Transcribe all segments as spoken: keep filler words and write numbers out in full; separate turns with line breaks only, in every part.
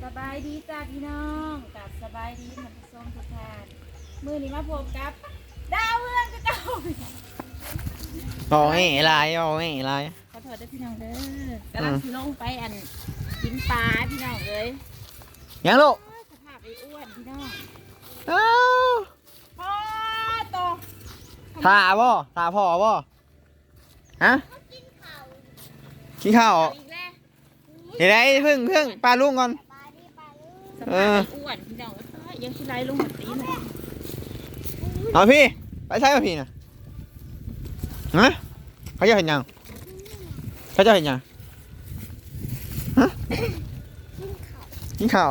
สบายดีจ้าพี่น้องกับสบายดีท่านผู้ชมทุกท่านมือนี้มาพบกับดาวเรืองกระเจ้า
โอ้ยลายโอ้ยลาย
ขอโทษด้วยพี่น้องเด้อกำลังลงไปอันกินปลาพี่น้องเลย
ยังลูก
สภาพไอ้อ้วนพี่น้อง
อ้า
พ่อโต
ถ่าบ่ถ่าพ่อบ่ฮะกินข้าวเดี๋ยวได้พึ่งพึ่งปลาลุงก่อน
สภาพไอ้อ้วนพี่น้องยังชิไลลงหัวตีน
เอาพี่ไปใช้ป่ะพี่นะฮะเขาจะเห็นยังเขาจะเห็นยังฮะกินข้าว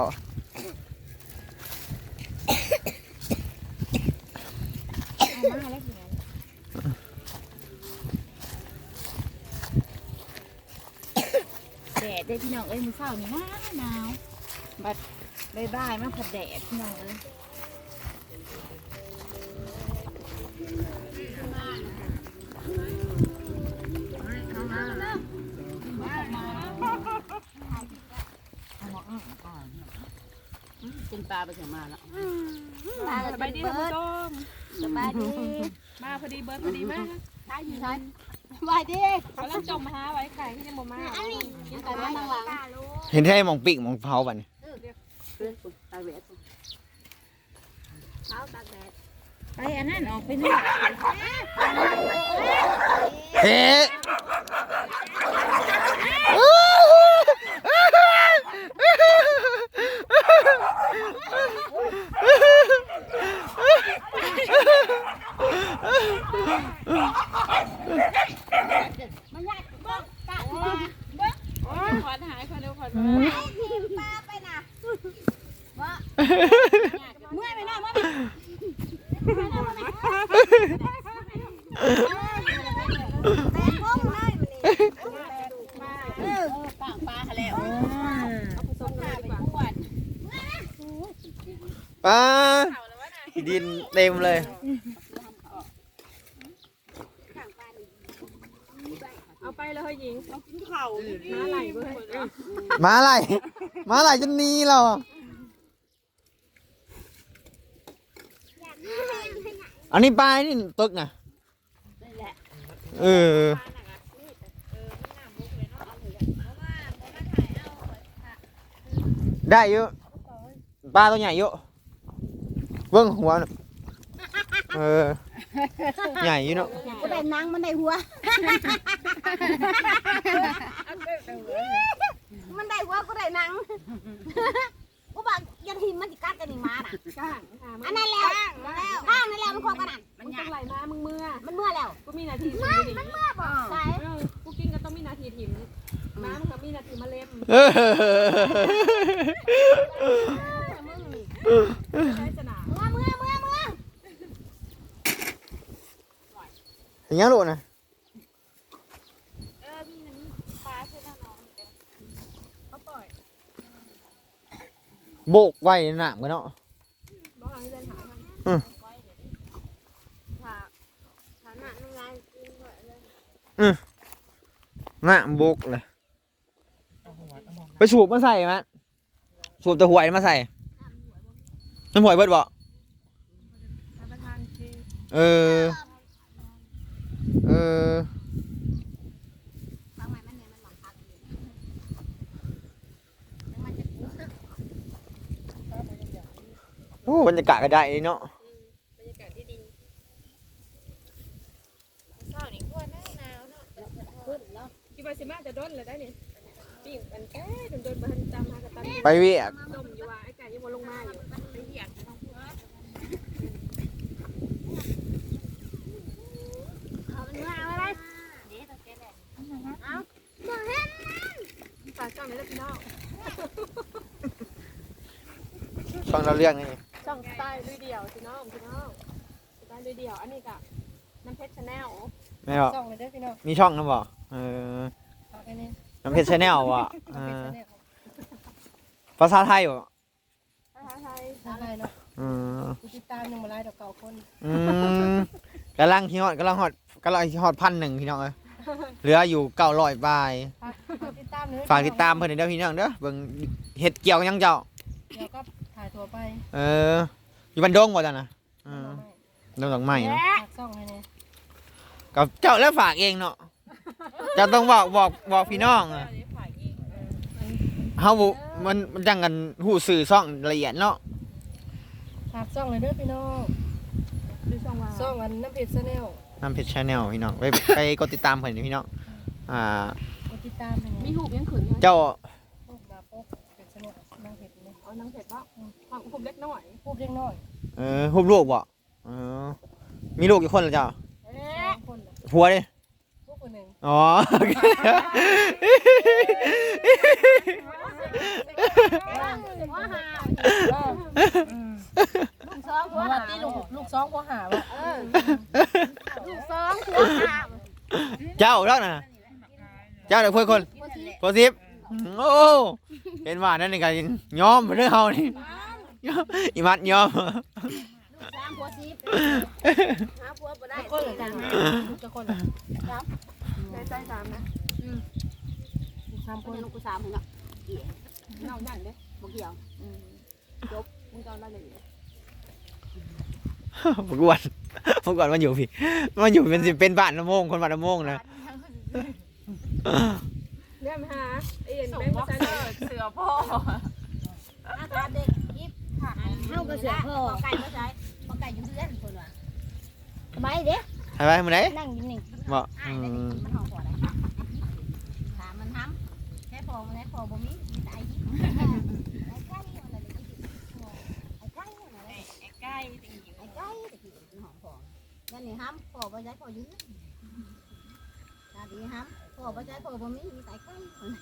แดดได้พี่น้องเอ้ยมือเศร้านี่หนาวหนาวบัดบายบายมาผัดแดดพี่น้องเอ้ย
กินปลาไปเสียมาแล้ว
สบายดีท่านผู้ชม
สบายดี
มาพอดีเบิร์ดพอดีมาก
ใช่อยู่ใช่สบายดี
เขาเริ่มจมมาหาไว้ไก่ที่ยังบ่มา
กินแต่บ้านทางหลัง
เห็นแค่มองปีกมองเผาบัน
ตาเวทเท้าตาแดด
ไปอันนั้นออกไปนี่
เฮ้
มันยากบ้างกะมา
บ้างขอนหายขอนเร็วขอนมา
ปลาไปนะว่าเมื่อยไปหน่อยมั้ยแต่พงเลยมันนี่ปากปลาแล้วเอาผสมกันดีกว่า
ปลาดินเต็มเลย
เอาไปเลยหญิงเอากินข้าวม้าไหลเบิ่ง
ม้าไหลม้าไหลจนนี้เราอันนี้ปลานี่ตึกนะเออได้เยอะปลาตัวใหญ่เยอะเบิ้งหัวเออใหญ่อยู่เนาะ
กูได้นังมันได้หัวมันได้หัวกูได้นังกูบอกยันหิมมันจะกัดกันอีกมาน่ะอันนั้นแล้วข้างนั่นแล้วมันคบกันอ่ะ
มันต้องไหลมามึงเมื่อ
มันเมื่อแล้ว
กูมีนาที
มันมันเมื่อบอกใช่
กูกินก็ต้องมีนาทีถิ่มน้ำกับมีนาทีมาเล็มใช้สนาม
เมื่อเมื่อเมื่อเมื่อ
เห็นยังลูกนะ
เออมีน้ำปลาใช่ไหมน้องเขาปล่อย
โบกไว้หนามกันเนาะ
บ้าให้เดินหา
อืม
ฐานะน้ำลายกินหมดเลย
อืมหนามโบกเลยไปสูบมาใส่มั้ยสูบตะหวยมาใส่น้ำหวยเบิดบ่เออเออโอ้บรรยากาศก็ได้เนาะ
บรรยากาศที่ดีเช้านี่กลัวหนาวหนาวเนาะคิดว่าสิมาจะด้นเลยได้นี่ปิ้งมันแก่โดนๆมาตามหากระตัน
ไปเวียก
ต้มอยู่ว่าไอ้ไก่ยังบ่ลงมาอยู่ไปเวียก
เอาเป็นว่าเอาอะไรเดี๋ยวต้องแกะแหละเอาบอกให้
ฝากช่องนี้แล้วพี่น้อง
ช่องเราเรื่องนี่
ช่องสไตล์ลุยเดี่ยวพี่น้องพี่น้องสไตล์ลุยเดี่ยวอันนี้กับน้ำเพชรชาแนล
ไม่หรอ
ช่องเลยด้วยพี่น้อง
มีช่องนะบ่เออน้ำเพชรชาแนลบ่ภาษาไทยบ่
ภาษาไทยภาษาไทยเนาะ
อืม
ติดตามยังมาไล่ดอกเก่าคน
อืมกำลังที่ฮอดกำลังฮอดกำลังที่ฮอดพันหนึ่งพี่น้องเอ้ยเหลืออยู่เก้าร้อยบาท
ติดตามเลย
ฝากติดตามเพิ่นเด้อพี่น้องเด้อเบิ่งเฮ็ดเกี่ยวกับหยังเจ้า
เดี๋ยวก็ถ่ายตัวไป
เอออยู่บ้านดงบ่จ้ะนะเออดงดอกไม้เนาะ
ฝากซ่องให้เนี่ย
กับเจ้าแล้วฝากเองเนาะเจ้าต้องบอกบอกบอกพี่น้องอะเฮาบ่มันมันจังกันฮู้สื่อซ่องละเอียดเนาะ
ฝากซ่องเลยเด้อพี่น้อง
ดูช่องว่า
ซ่องอันน้ำเพชรแนล
นำเพจ Channel พี่น้องไปไปกดติดตามเพิ่นพี่น้องอ่าก
ดติดตามให้
มี
เนี่ย
หูบยังขืนอยู่
เจ้า
พวกดาพวกเพชรแนลน้ำเพชรเนี่ย
เอานังเผ็ดปะความคุมเล็กน้อย
พวกเล็กน้อย
เออฮู้ลูกบ่เออมีลูกกี่คนล่ะเจ้า
สองคนน่ะ
ผัวดิ
พวกคนหนึ่ง
อ๋อ
หัวหา
อืม
ลูกสองหัว
ว่า
หา
ที่ลูกลูกสองพวกหาว่ะ
เออลูกสองหัวหา
เจ้าแล้วนะเจ้าเด็กเพื่อนคนโพสิบโอ้เห็นว่านั่นนี่ก็ยอมเรื่องเฮานี่อีมัดยอม
ลูกสามหัวสิบหาผัวบ่ได้
จะคนเหรือกันจะคนเหรอ
ใจใจสามนะ
ลูกสามค
คน
น
ลูกกูสามคนเนาะ
น้องนั่นเด้
บ่เกี่ยว
จบมึงจอนได้เลย
พวกวันพวกวันมันอยู่พี่มันอยู่เป็นสิเป็นบ้านละโมงคนบ้านละโมงนะ
เรื่องหาไอ้เอ็นแบงค์ภาษาเสือพ่อ
อาการเด็กยิบค่ะเฮาก็เสือพ่อไก่บ่ใช่บ่ไก่อยู่เรือนเพิ่นว่าสบายเด้
ใช่ไหมมึงไหน
นั่งอยู่นี่
บ่
อ้ายได้มันห้องพ่อได้ถามมันทำแค่พ่อมันได้พ่อบ่มีมีแต่ไอ้ยิบไอ้ไก่อะไรนี่ไอ้ไก่อะไร
ไอ้ใกล้จริง
ไอ้ไก่ตะกี้เป็นห้องพ่อนั่นนี่ห้ำพ่อบ่ใช่พ่ออยู่ตาดีห้ำพ่อบ่ใช่พ่อบ่มีมีแต่ไก่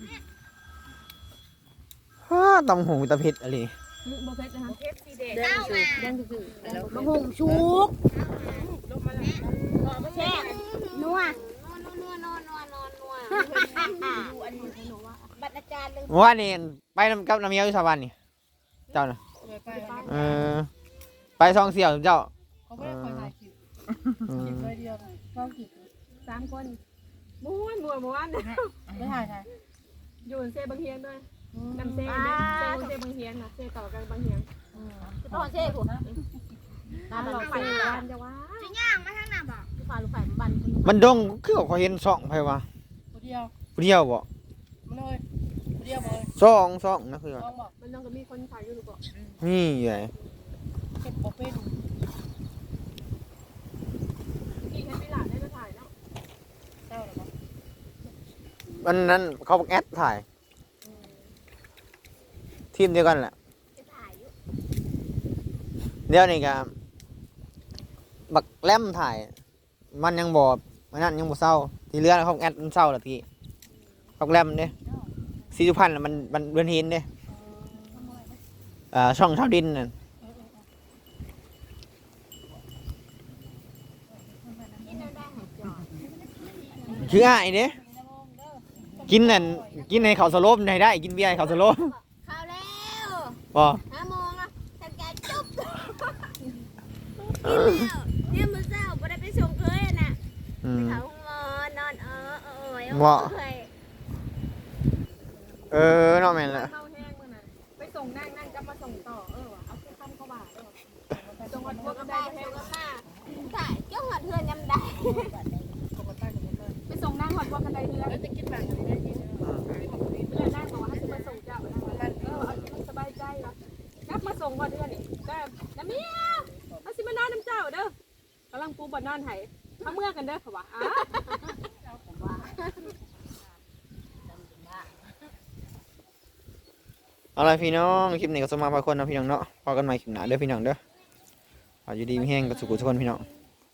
ฮ่าตำหงตะเพ็ดอะไร
ๆบ่เพชรนะคะเพชรสีแดง
เต้ามา
แดงซื่อๆ
มะฮุงชุก
ลงมาแล้ว
แช่นัวนัวนัวนัวนัวนัวดูอันนี้หนูว่าบัตรอาจารย์เลย
ว่านี่ไปนำกับน้ำเมียวอยู่สวรรค์นี่เจ้าน่ะ
เลยไป
เออไปซองเสี่ยวเจ้า
เขาไม่ได้คอยถ่ายคลิป
อื
คลิป
ม
เลยเดียวต้องคลิป
สามคนม้วนม้วนม้วน
ไม่ถ่ายถ่าย
อยู่เซ่บางเฮียนด้วยน้ำเซ่เซ่เซ่บางเฮียนนะเซ่ต่อกันบางเฮียน
ต้องเช่ผม
ตาหลอกเซ่บ้านจะว่า
จะย่างมาทางหน้าบอกลูกฟ้าลูกไฟมันบัน
มันดงคือเขาเห็นซ่องไผวะ
คนเดียว
ผู้เดียวบ่
มันเลยคนเดียวเลย
ซ่องซ่องนะคือว่า
ลองบอก
มันต้องก็มีคนถ่ายอยู่หรือเปล่า
นี่ใหญ่
เก็บบอกเป็น
พี่แค่ไม่หลานได้มาถ่ายเนาะ
เจ้าหรอ
วันนั้นเขาบอกแอดถ่ายทีมเดียวกันแหละ
จะถ่ายอยู่
เดี๋ยวนี้ก็บักแลมถ่าย มันยังบอมันนั่นยังบ่เศร้า ที่เหลือเขาแอดมันเศร้าละทีบักแลมเนี่ยสีสุพรรณน่ะมันมันเดือนเห็นเด้อ่าช่องชาวดินน่ะ
นี่เราได้หายจอด
คืออ้ายเด้กินนั่นกินในเขาวสโลมได้ได้กินเบียร์ในเขาวสโลม
เข้าแล้ว
บ่
ห้าโมงแล้วทำการจุ๊บกินแล้วเนี่ยมือเศร้าไม่ได้ไปส่งเคยน่ะ
อืม
เขาห้องนอนนอนเออเออ
บ่
เคย
เออเนาะแม่นละ
เข้าแห้งมื่อนั้นไปส่งนั่งนั่งจะมาส่งต่อเออเอาแค่คำเข้าบ่าเออไปส่งวันพวก
ก็
กัน
ได้
ได้
ส่
แห้
ง
ง
กันมาถ่ายเจ้าหัดเฮือนยำได้
ปกติปกติ
ไปส่งนั่งหอดพวกกันได้เรือ
แล้วจะกินแบบไหนได้กิน
เรือนั่งบอกว่าให้มาส่งเจ้าเออเอาที่มันสบายใจวะกลับมาส่งก่อนเดือนนี่ก็น้ำเมียเอาสิมานอนน้ำเจ้าเด้อกำลังปูบนนอนไห้เขาเมื่อกันเด้อเขาว่าอ้า
เอาล่ะพี่น้องคลิปนี้ก็สมาพาคนนะพี่น้องเนาะพอกันใหม่คลิปหน้าเด้อพี่น้องเด้อขออยู่ดีมีแห้งกับสุขุทุกคนพี่น้อง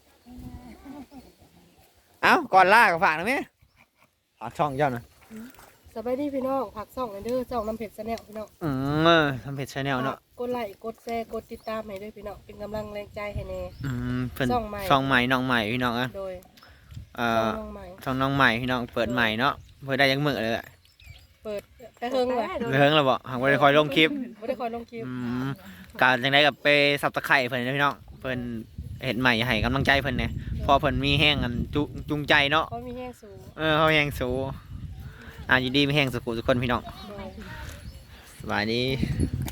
เอ้าก่อนล่าก็ฝากหนะแม่ฝากช่องเจ้านะ
สบายดีพี่น้องผักซ่องเด้อซ่องน้ำเพชรแนลพี่น้อง
อืมทำเพจชาแนลเนาะ
กดไลค์กดแชร์กดติดตามให้ด้วยพี่น้องเป็นกำลังแรงใจให้แน่
อืมเพิ่น
ช่องใหม่
ช่องใหม่น้องใหม่พี่น้องอะ
โดย
เอ่
ช่อง
อ
น้องใหม่
ช่องน้องใหม่พี่น้องเปิดใหม่เนาะเปิดได้ยังมือเลยแหละ
เปิดแต่เฮิงว่ะ
เรื่องแล้วบ่หางบ่ได้คอยลงคลิป
ไม่ได้คอยลงคลิป
อืมการจังได๋กับไปซับตะไคร้เพิ่นเด้อพี่น้องเพิ่นเฮ็ดใหม่ให้กำลังใจเพิ่นเนี่ยพอเพิ่นมีแห้งกันจุจูงใจเนาะ
เขามีแห้งสูง
เออเขาแห้งสูอ่าอยู่ดีไม่แห้งสุขุทุกคนพี่น้องสบายดี
เ